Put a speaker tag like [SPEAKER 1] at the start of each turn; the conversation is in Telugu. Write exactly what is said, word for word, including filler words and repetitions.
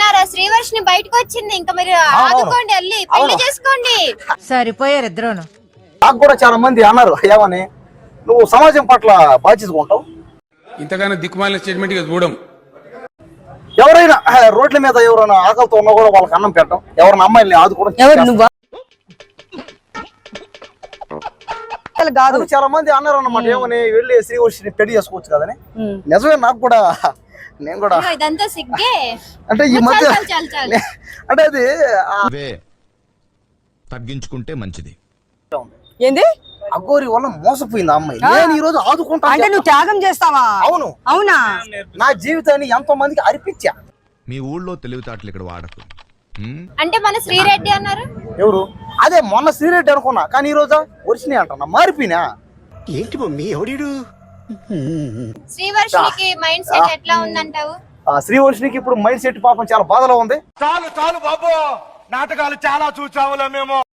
[SPEAKER 1] విన్నారా? శ్రీవర్షిని బయటకు వచ్చింది. ఇంకా మీరు ఆదుకోండి, వెళ్ళి పెళ్లి చేసుకోండి.
[SPEAKER 2] సరిపోయారు ఇద్దరును.
[SPEAKER 3] నాకు కూడా చాలా మంది అన్నారు ఏమని, నువ్వు సమాజం పట్ల బాధ్యతగా ఉంటావు,
[SPEAKER 4] ఇంతగానో దిక్కుమాలిన స్టేట్మెంట్ గా చూడం.
[SPEAKER 3] ఎవరైనా రోడ్ల మీద ఎవరైనా ఆకలితో ఉన్నా కూడా వాళ్ళకి అన్నం పెట్టడం, ఎవరైనా అమ్మాయిల్ని ఆదుకోవడం కాదు. చాలా మంది అన్నారు అన్నమాట ఏమని, వెళ్ళి శ్రీవర్షిని పెళ్లి చేసుకోవచ్చు కదని. నిజమే, నాకు కూడా నేను కూడా
[SPEAKER 1] ఇదంతా సిగ్గే.
[SPEAKER 3] అంటే ఈ మధ్య అంటే అది
[SPEAKER 5] తగ్గించుకుంటే మంచిది.
[SPEAKER 2] ఏంది
[SPEAKER 3] అఘోరి వల్ల మోసపోయింది ఆ అమ్మాయి. నేను ఈ రోజు ఆదుకుంటా
[SPEAKER 2] అంటే నువ్వు త్యాగం చేస్తావా?
[SPEAKER 3] అవును.
[SPEAKER 2] అవునా?
[SPEAKER 3] నా జీవితాన్ని ఎంతో మందికి అర్పించా.
[SPEAKER 5] మీ ఊళ్ళో తెలివితేటలు ఇక్కడ వాడకు.
[SPEAKER 1] అంటే మన శ్రీరెడ్డి అన్నారు
[SPEAKER 3] ఎవరు? అదే మొన్న శ్రీరెడ్డి అనుకున్నా, కానీ ఈ రోజు వర్షిని అంటున్నా. మారిపోయినా
[SPEAKER 6] ఏంటి మమ్మీ ఎవడు?
[SPEAKER 1] శ్రీవర్షినికి మైండ్ సెట్ ఎట్లా ఉందంటావు?
[SPEAKER 3] శ్రీవర్షినికి ఇప్పుడు మైండ్ సెట్ పాపం చాలా బాధలో ఉంది.
[SPEAKER 7] చాలు చాలు బాబు, నాటకాలు చాలా చూసాములే మేము.